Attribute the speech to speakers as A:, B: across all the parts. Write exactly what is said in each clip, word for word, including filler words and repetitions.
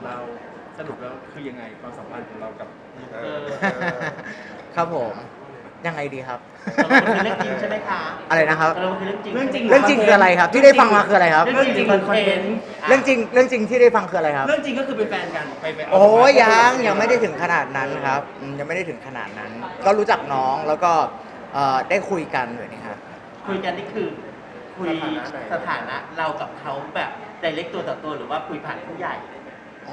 A: เราสรุปแล้วคือยังไงความสัมพันธ์ของเรากับ
B: เออ
C: ครับผมยังไงดีครับ
B: ตกลงมันคือเรื่องจริงใช่ไหมคะ
C: อะไรนะครับ
B: ตกลงมันคือเรื่องจริง
A: เรื่องจริง
C: เรื่องจริงคืออะไรครับ ที่ได้ฟังมาคืออะไรครับ
B: เรื่องจริงหรือคอนเทนต์
C: เรื่องจริงเรื่องจริงที่ได้ฟังคืออะไรครับ
A: เรื่องจริงก็คือเป็นแฟนกันไปไปเา
C: โอ้ยยังยังไม่ได้ถึงขนาดนั้นครับอืมยังไม่ได้ถึงขนาดนั้น ก็รู้จักน้องแล้วก็เอ่อได้คุยกันเลยนี่ครับ
B: คุยกันนี่คือคุยสถานะเรากับเขาแบบไดเรกตัวต่อตัวหรือว่าคุยผ่านผู้ใหญ่
C: อ๋อ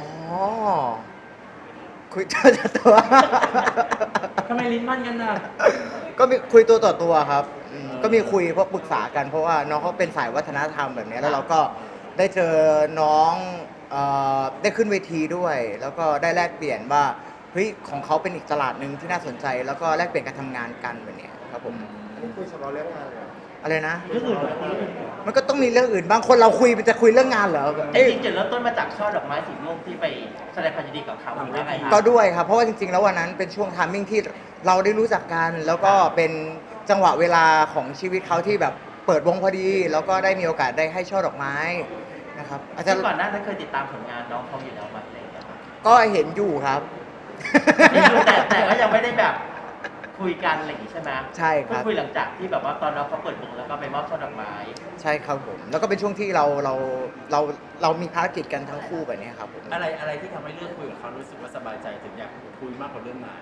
C: คุยตัวต่อตัว
A: ทำไมลิ้นมันกันน่ะ
C: ก็มีคุยตัวต่อตัวครับอืมก็มีคุยเพราะปรึกษากันเพราะว่าน้องเขาเป็นสายวัฒนธรรมแบบนี้แล้วเราก็ได้เจอน้องเอ่อได้ขึ้นเวทีด้วย แล้วก็ได้แลกเปลี่ยนว่าเฮ้ยของเขาเป็นอีกตลาดหนึ่งที่น่าสนใจ แล้วก็แลกเปลี่ยนการทำงานกันแบบนี้ครับผม
D: อันนี้คุยเฉพาะเรื่องงานเลยเหรอ
C: อะไรนะ
B: เรื่องอื่นเหรอเรื่องอื่น
C: มันก็ต้องมีเรื่องอื่นบางคนเราคุยมันจะคุยเรื่องงานเหรอ
B: จ
C: เอ้ย
B: ริงๆจุดเริ่มต้นมาจากช่อดอกไม้สีม่วงที่ไปแสดงความยินดีกับเขาหรือว่าไงคะ
C: ก็ด้วยครับเพราะว่าจริงๆแล้ววันนั้นเป็นช่วงทามมิ่งที่เราได้รู้จักกัน แล้วก็เป็นจังหวะเวลาของชีวิตเขาที่แบบเปิดวงพอดี แล้วก็ได้มีโอกาสได้ให้ช่อดอกไม้นะครับอาจจะ
B: ซึ่งก่อนหน้านั้นเคยติดตามผลงานน้องเขาอยู่แล้วไหมอะไรอย่างเงี้ยครับ
C: ก็เห็นอยู่ครับ
B: นี่คือแต่แต่ก็ยังไม่ได้แบบคุยกันอะไรอย่างงี้ใช่ไหม
C: ใช่ครับ
B: เพิ่งคุยหลังจากที่แบบว่าตอนน้องเขาเปิดวงแล้วก็ไปมอบช่อดอกไม้
C: ใช่ครับผม แล้วก็เป็นช่วงที่เราเราเราเรามีภารกิจกันทั้งคู่แบบนี้ครับผม
A: อะไรอะไรที่ทำให้เลือกคุยกับเขารู้สึกว่าสบายใจถึงอยากคุยมากกว่าเรื่องงาน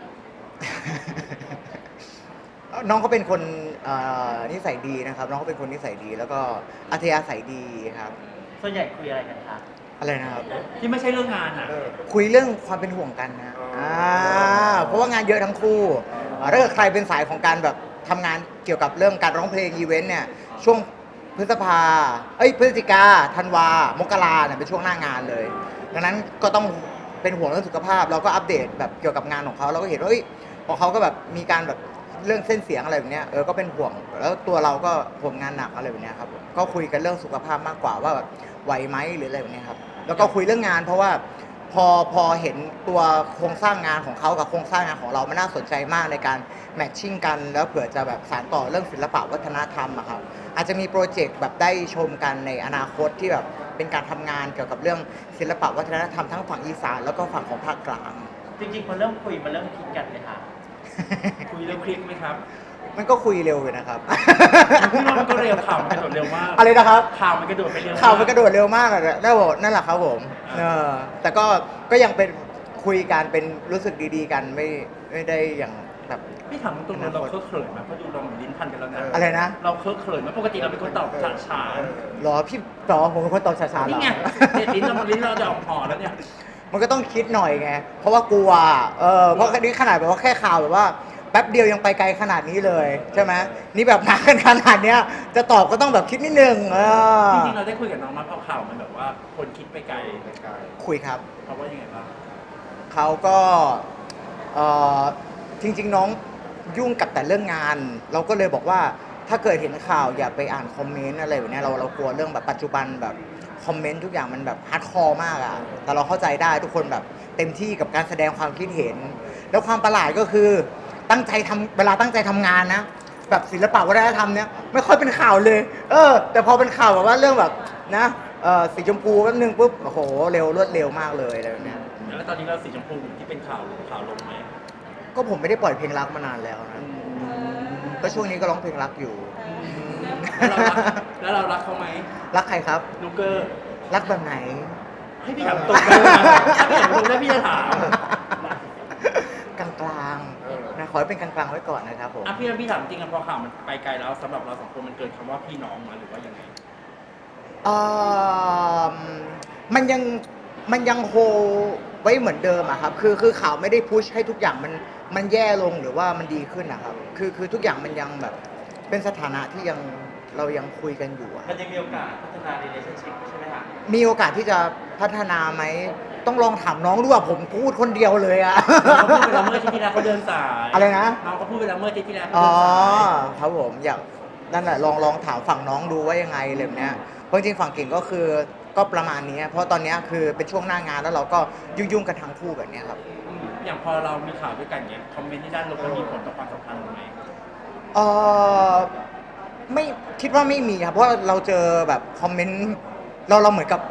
C: น้องเขาเป็นคนเอ่อนิสัยดีนะครับ น้องเขาเป็นคนนิสัยดี แล้วก็อัธยาศัยดีครับ
B: ส่วนใหญ่คุยอะไรกันคะ
C: อะไรนะครับ
A: ที่ไม่ใช่เรื่องงานอ่ะ
D: เออ
C: คุยเรื่องความเป็นห่วงกันนะ
D: อ๋ออ่
C: ่าเพราะว่างานเยอะทั้งคู่อ่าถ้าเกิดใครเป็นสายของการแบบทำงานเกี่ยวกับเรื่องการร้องเพลงอีเวนต์เนี่ย ช่วงพฤษภา เอ้ยพฤศจิกาธันวามกราเนี่ยเป็นช่วงหน้างานเลย ดังนั้นก็ต้องเป็นห่วงเรื่องสุขภาพ เราก็อัปเดตแบบเกี่ยวกับงานของเขาเราก็เห็นว่าเอ้ยพอเขาก็แบบมีการแบบเรื่องเส้นเสียงอะไรแบบเนี้ยเออก็เป็นห่วง แล้วตัวเราก็ห่วงงานหนักอะไรแบบเนี้ยครับผมก็คุยกันเรื่องสุขภาพมากกว่าว่าแบบไหวไหมหรืออะไรแบบเนี้ยครับ แล้วก็คุยเรื่องงานเพราะว่าพอพอเห็นตัวโครงสร้างงานของเขากับโครงสร้างงานของเรามันน่าสนใจมากในการแมทชิ่งกันแล้วเผื่อจะแบบสานต่อเรื่องศิลปะวัฒนธรรมอะครับอาจจะมีโปรเจกต์แบบได้ชมกันในอนาคตที่แบบเป็นการทำงานเกี่ยวกับเรื่องศิลปะวัฒนธรรมทั้งฝั่งอีสานแล้วก็ฝั่งของภาคกลาง
B: จริงๆพอเริ่มคุยมันเริ่มคิดกันเลยค่ะ
A: คุยเรื่องคลิกไหมครับ
C: มันก็คุยเร็วอยู่นะครับ
A: พี่ว่ามันก็เร็วข่าวมันกระโดดเร็วมาก
C: อะไรนะครับ
A: ข่าวมันกระโดดไปเร็ว
C: ข่าวมันกระโดดเร็วมากอะนั่นแหละนั่นแหละครับผมเออแต่ก็ก็ยังเป็นคุยกันเป็นรู้สึกดีๆกันไม่ไม่ได้อย่างแบบ
A: พี่ถามตรงๆเราเคอะเขินไหมเพราะดูเราเหมือนลิ้นพันกันแล้วนะ
C: อะไรนะ
A: เราเคอะเขินไหมปกติเราเป็นคนตอบช้าช้า
C: หรอพี่ตอผมเป็นคนตอบช้าๆเหร
A: นี่
C: อ
A: ไงเนี่ยลิ้นเราลิ้นเราจะออกห่อแล้วเนี่ย
C: มันก็ต้องคิดหน่อยไง เพราะว่ากลัว เออ เพราะนี่ขนาดแบบว่าแค่ข่าวแบบว่าแป๊บเดียวยังไปไกลขนาดนี้เลยใช่ไหมนี่แบบมากันขนาดเนี้ย จะตอบก็ต้องแบบคิดนิดนึงเออ
A: จริงๆเราได้คุยกับน้องมาเพราะข่าวมันแบบว่าคนคิดไปไกล
C: คุยครับ
A: เพราะว่ายังไงบ้าง
C: เขาก็เออจริง ๆ น้องยุ่งกับแต่เรื่องงาน เราก็เลยบอกว่าถ้าเกิดเห็นข่าวอย่าไปอ่านคอมเมนต์อะไรแบบเนี้ยเราเรากลัวเรื่องแบบปัจจุบันแบบคอมเมนต์ทุกอย่างมันแบบฮาร์ดคอร์มากอะแต่เราเข้าใจได้ทุกคนแบบเต็มที่กับการแสดงความคิดเห็น แล้วความประหลาดก็คือตั้งใจทำเวลาตั้งใจทำงานนะ แบบศิลปะวัฒนธรรมเนี้ยไม่ค่อยเป็นข่าวเลย เออ แต่พอเป็นข่าวแบบว่าเรื่องแบบนะเออสีชมพูแป๊บนึงปุ๊บโอ้โหเร็วรวดเร็วมากเลยอะไรแบบเนี้ย
A: แล้วตอนนี้เราสีชมพูที่เป็นข่าวข่าวลงไหม
C: ก็ผมไม่ได้ปล่อยเพลงรักมานานแล้วนะ ก็ช่วงนี้ก็ร้องเพลงรักอยู่
A: แล้วเรารักแล้วเรารักเขาไหม
C: รักใครครับ
A: ลูกเกอร์
C: รักแบบไหน
A: ให้พี่ถามตรงเลยนะถ้าพี่ถามตรงแล้วพี่จะถาม
C: กลางกลางๆนะขอให้เป็นกลางกลางๆไว้ก่อนนะครับผม
A: อ่ะพี่พี่ถามจริงๆอะพอข่าวมันไปไกลแล้วสำหรับเราสองคนมันเกินคำว่าพี่น้องมาหรือว่ายังไง
C: เอ่อมันยังมันยังโฮไว้เหมือนเดิมอะครับ คือคือข่าวไม่ได้พุชให้ทุกอย่างมันมันแย่ลงหรือว่ามันดีขึ้นนะครับ คือคือทุกอย่างมันยังแบบเป็นสถานะที่ยังเรายังคุยกันอยู่อะ
B: มันยังมีโอกาสพัฒนา relationship ใช่ไหมคะ
C: มีโอกาสที่จะพัฒนาไหม ต้องลองถามน้องดูว่าผมพูดคนเดียวเลยอะ
A: เขาพูดไปแล้วเมื่ออาที่ที่แล้วเขาเดินสาย
C: อะไรนะ
A: น้องเขาพูดไปแล้วเมื่ออาที่ที่แล้วเขา
C: อ๋อ
A: เดินสาย
C: ครับผมอยากนั่นแหละลองลองถามฝั่งน้องดูว่ายังไงอะไรแบบเนี้ยเพราะจริงๆฝั่งเก่งก็คือก็ประมาณนี้เพราะตอนเนี้ยคือเป็นช่วงหน้างานแล้วเราก็ยุ่งๆกันทั้งคู่แบบเนี้ยครับ
A: อืมอย่างพอเรามีข่าวด้วยกันเนี้ยคอมเมนต์ที่ด้านลบมันมีผลต่อความสัมพันธ์ไหม
C: เออไม่คิดว่าไม่มีครับเพราะว่าเราเจอแบบคอมเมนต์เราเราเหมือนกับ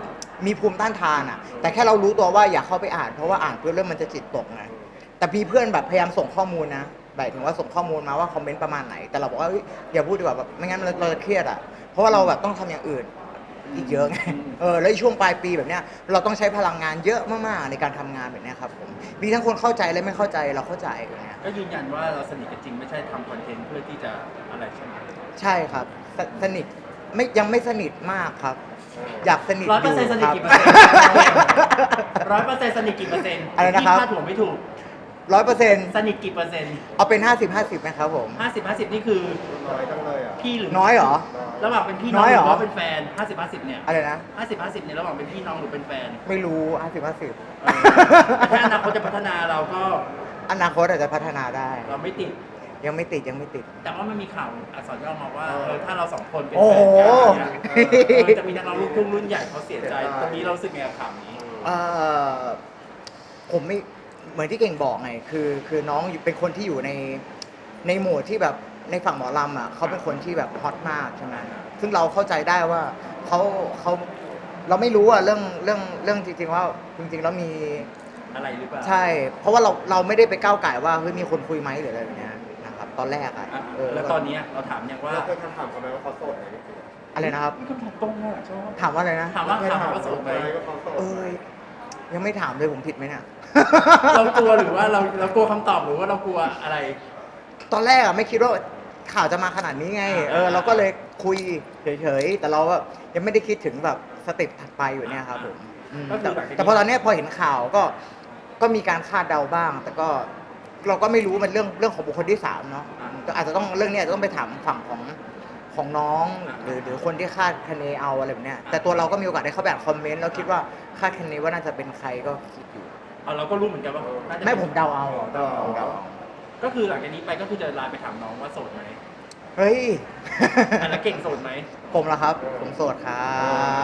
C: มีภูมิต้านทานอ่ะ แต่แค่เรารู้ตัวว่าอย่าเข้าไปอ่านเพราะว่าอ่านเพื่อเรื่องมันจะจิตตกไงแต่มีเพื่อนแบบพยายามส่งข้อมูลนะหมายถึงว่าส่งข้อมูลมาว่าคอมเมนต์ประมาณไหนแต่เราบอกว่าเฮ้ยอย่าพูดดีกว่าแบบไม่งั้นเราเราจะเครียดอ่ะเพราะว่าเราแบบต้องทำอย่างอื่นอีกเยอะไงเออแล้วช่วงปลายปีแบบเนี้ยเราต้องใช้พลังงานเยอะมากๆในการทำงานแบบเนี้ยครับผมมีทั้งคนเข้าใจและไม่เข้าใจเราเข้าใจอย่างเนี้ย
A: ก็ยืนยันว่าเราสนิทกันจริงไม่ใช่ทำคอนเทนต์เพื่อที่จะอะไรใช่ไหม
C: ใช่ครับสสนิทไม่ยังไม่สนิทมากครับ อยากสนิท
A: ร้อยเปอร์เซ็นต์สนิทกี่เปอร์เซ็นต์ร้อยเปอร์เซ็นต์สนิทกี่เปอร์เซ็นต์
C: อะไรนะครับ
A: ที่คาดหัวไม่ถูก
C: ร้อยเปอร์เซ็นต์
A: สนิทกี่เปอร์เซ็นต์
C: เอาเป็นห้าสิบห้าสิบนะครับผม
A: ห้าสิบห้าสิบนี่คือ
D: น้อยจังเลยอ่ะ
A: พี่หรือ
C: น้อยเหรอ
A: ระหว่างเป็นพี่น้
C: น้
A: อง
C: อย
A: ห
C: เหร
A: รือ อว่าเป็นแฟนห้าสิบห้าสิบเนี่ย
C: อะไรนะ
A: ห้าสิบห้าสิบเนี่ยระหว่างเป็นพี่น้องหรือเป็นแฟน
C: ไม่รู้ห้าสิบห้าสิบ
A: เออแต่ถ้าอนาคตจะพัฒนาเราก็
C: อนาคตอาจจะพัฒนาได้
A: เราไม่ติด
C: ยังไม่ติดยังไม่ติด
A: แต่ว่ามันมีข่าวอักษรย่อมาว่าเออถ้าเราสองคนเป็น
C: โอ้
A: แฟ
C: โห
A: นกันเนี่ยเออจะมีนักร้องลูกทุ่งรุ่นใหญ่เขาเสียใจตรงนี้เรารู้สึกไงกับข่าวนี้
C: เอ่อผมไม่เหมือนที่เก่งบอกไงคือคือน้องอยู่เป็นคนที่อยู่ในในหมู่ที่แบบในฝั่งหมอลำอ่ะเขาเป็นคนที่แบบฮอตมากใช่ไหมซึ่งเราเข้าใจได้ว่าเขาเขาเราไม่รู้อ่ะเรื่องเรื่องเรื่องจริงๆว่าจริงๆแล้วมี
A: อะไรหรือเปล่า
C: ใช่ เพราะว่าเราเราไม่ได้ไปก้าวไก่ว่าเฮ้ยมีคนคุยไหมหรืออะไรแบบเนี้ยนะครับตอนแรกอ่ะ
A: อ่ะ
C: เออ
A: แล้วตอนเนี้ยเราถามยังว่า
D: เราเคยถามเขาไหมว่าเขาโสดไหม
C: อะไรนะครับ
A: คำถามตรงอ่ะชอบ
C: ถามว่าอะไรนะ
A: ถามว่า
D: เคย
A: ถาม
D: ถาม
A: ว่าโส
D: เขา
A: ด
D: ไห
A: ไห
D: ม
A: ม
D: ว่าเขาโสด
C: เอ้ยยังไม่ถามเลยผมผิดไหมเนี่ย
A: เรากลัวหรือว่าเราเรากลัวคำตอบหรือว่าเรากลัวอะไร
C: ตอนแรกอะไม่คิดว่าข่าวจะมาขนาดนี้ไง เออเราก็เลยคุยเฉยๆ แต่เราอะยังไม่ได้คิดถึงแบบสเต็ปถัดไปอยู่เนี่ยครับผมอืม
A: ก็คือ
C: แต่
A: หลังจากนี้
C: แต่พอตอนเนี้ยพอเห็นข่าวก็ก็มีการคาดเดาบ้าง แต่ก็เราก็ไม่รู้มันเรื่องเรื่องของบุคคลที่สามเนาะก็อาจจะต้องเรื่องเนี้ยอาจจะต้องไปถามฝั่งของของน้องหรือหรือคนที่คาดคะเนเอาอะไรแบบเนี้ยแต่ตัวเราก็มีโอกาสได้เข้าไปอ่านคอมเมนต์แล้วคิดว่าคาดคะเนว่าน่าจะเป็นใครก็คิดอยู่
A: เอาเราก็รู้เหมือนกันว่าน่าจะ
C: ไม่ผมเดาเอาเดาเอา
D: เดา
A: ก็คือหลังจากนี้ไปก็คือจะไลน์ไปถามน้องว่าโสดไหม
C: เฮ้ย
A: อ่ะแล้วเก่งโสดไหม
C: ผมเหรอครับ ผมโสดครับ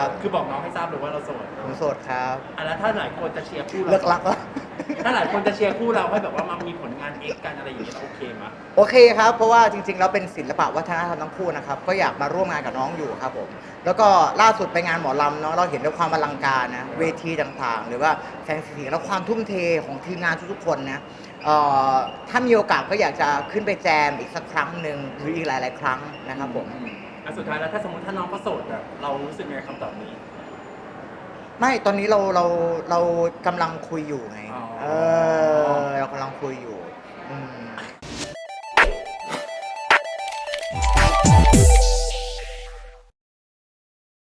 A: คือบอกน้องให้ทราบเลยว่าเราโสด
C: ผมโสดครับ
A: อ่ะแล้วถ้าหลายคนจะเชียร์คู่
C: เลิ
A: เรา
C: กรักแล้ว
A: ถ้าหลายคนจะเชียร์คู่เราให้แบบว่ามามีผลงานเอกกันอะไรอย่างเงี้ยเราโอเคไหม
C: โอเคครับ เพราะว่าจริงๆ แล้วเป็นศิลปะวัฒนธรรมทั้งคู่นะครับ ก็อยากมาร่วมงานกับน้องอยู่ครับผม แล้วก็ล่าสุดไปงานหมอลำเนาะ เราเห็นด้วยความอลังการนะ เวทีต่างๆ หรือว่าแสงสีเสียงและความทุ่มเทของทีมงานทุกๆ คนนะเอ่อถ้ามีโอกาสก็อยากจะขึ้นไปแจมอีกสักครั้งหนึ่งหรืออีกหลายๆ ครั้งนะครับผม
A: อ่ะสุดท้ายแล้วถ้าสมมติถ้าน้องก็โสดอะเรารู้สึกไงคำตอบนี้
C: ไม่ ตอนนี้เราเราเรากำลังคุยอยู่ไง
A: อ๋อ
C: เออ เรากำลังคุยอยู่อืม